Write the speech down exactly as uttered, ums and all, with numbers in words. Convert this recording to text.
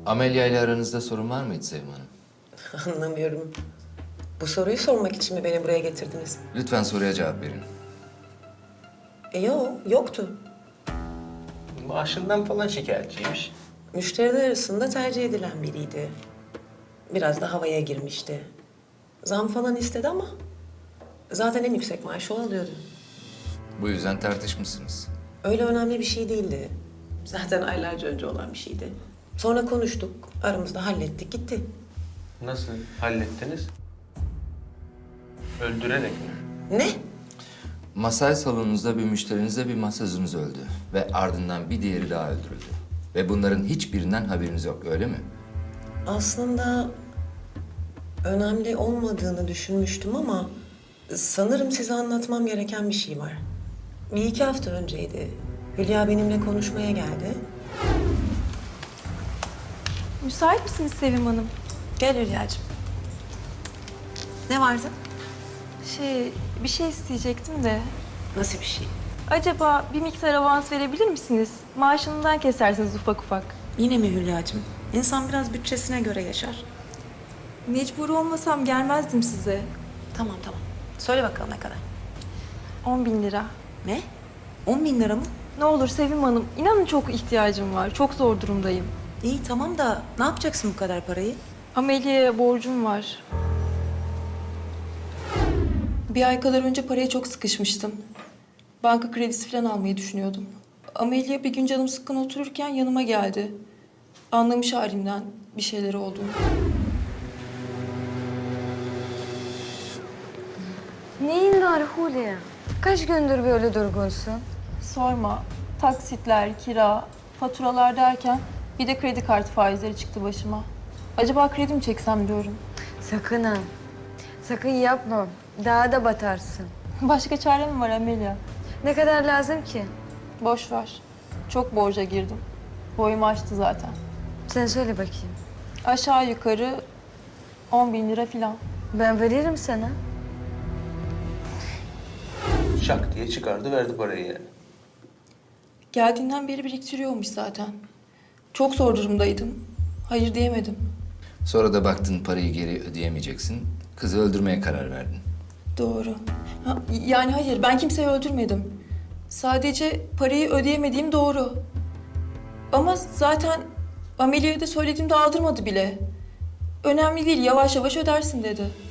Amelia ile aranızda sorun var mıydı Sevim Hanım? Anlamıyorum. Bu soruyu sormak için mi beni buraya getirdiniz? Lütfen soruya cevap verin. E yok, yoktu. Maaşından falan şikayetçiymiş. Müşteriler arasında tercih edilen biriydi. Biraz da havaya girmişti. Zam falan istedi ama zaten en yüksek maaşı o alıyordu. Bu yüzden tartışmışsınız. Öyle önemli bir şey değildi. Zaten aylarca önce olan bir şeydi. Sonra konuştuk, aramızda hallettik, gitti. Nasıl hallettiniz? Öldürerek mi? Ne? Masaj salonunuzda bir müşterinizle bir masajınız öldü. Ve ardından bir diğeri daha öldürüldü. Ve bunların hiçbirinden haberiniz yok, öyle mi? Aslında önemli olmadığını düşünmüştüm ama sanırım size anlatmam gereken bir şey var. Bir iki hafta önceydi. Hülya benimle konuşmaya geldi. Müsait misiniz Sevim Hanım? Gel Hülya'cığım. Ne vardı? Şey, bir şey isteyecektim de. Nasıl bir şey? Acaba bir miktar avans verebilir misiniz? Maaşından kesersiniz ufak ufak. Yine mi Hülya'cığım? İnsan biraz bütçesine göre yaşar. Mecbur olmasam gelmezdim size. Tamam tamam. Söyle bakalım ne kadar? On bin lira. Ne? On bin lira mı? Ne olur Sevim Hanım, inanın çok ihtiyacım var. Çok zor durumdayım. İyi tamam da ne yapacaksın bu kadar parayı? Amelia'ya borcum var. Bir ay kadar önce paraya çok sıkışmıştım. Banka kredisi falan almayı düşünüyordum. Amelia bir gün canım sıkkın otururken yanıma geldi. Anlamış halimden bir şeyler olduğunu. Neyin var Hulya? Kaç gündür böyle durgunsun? Sorma. Taksitler, kira, faturalar derken bir de kredi kartı faizleri çıktı başıma. Acaba kredi mi çeksem diyorum. Sakın ha. Sakın yapma. Daha da batarsın. Başka çare mi var Amelia? Ne kadar lazım ki? Boş ver. Çok borca girdim. Boyumu aştı zaten. Sen söyle bakayım. Aşağı yukarı on bin lira falan. Ben veririm sana. Şak diye çıkardı verdi parayı yani. Geldiğinden beri biriktiriyormuş zaten. Çok zor durumdaydım. Hayır diyemedim. Sonra da baktın parayı geri ödeyemeyeceksin. Kızı öldürmeye karar verdin. Doğru. Ha, yani hayır, ben kimseyi öldürmedim. Sadece parayı ödeyemediğim doğru. Ama zaten Amelia'ya da söylediğimde aldırmadı bile. Önemli değil, yavaş yavaş ödersin dedi.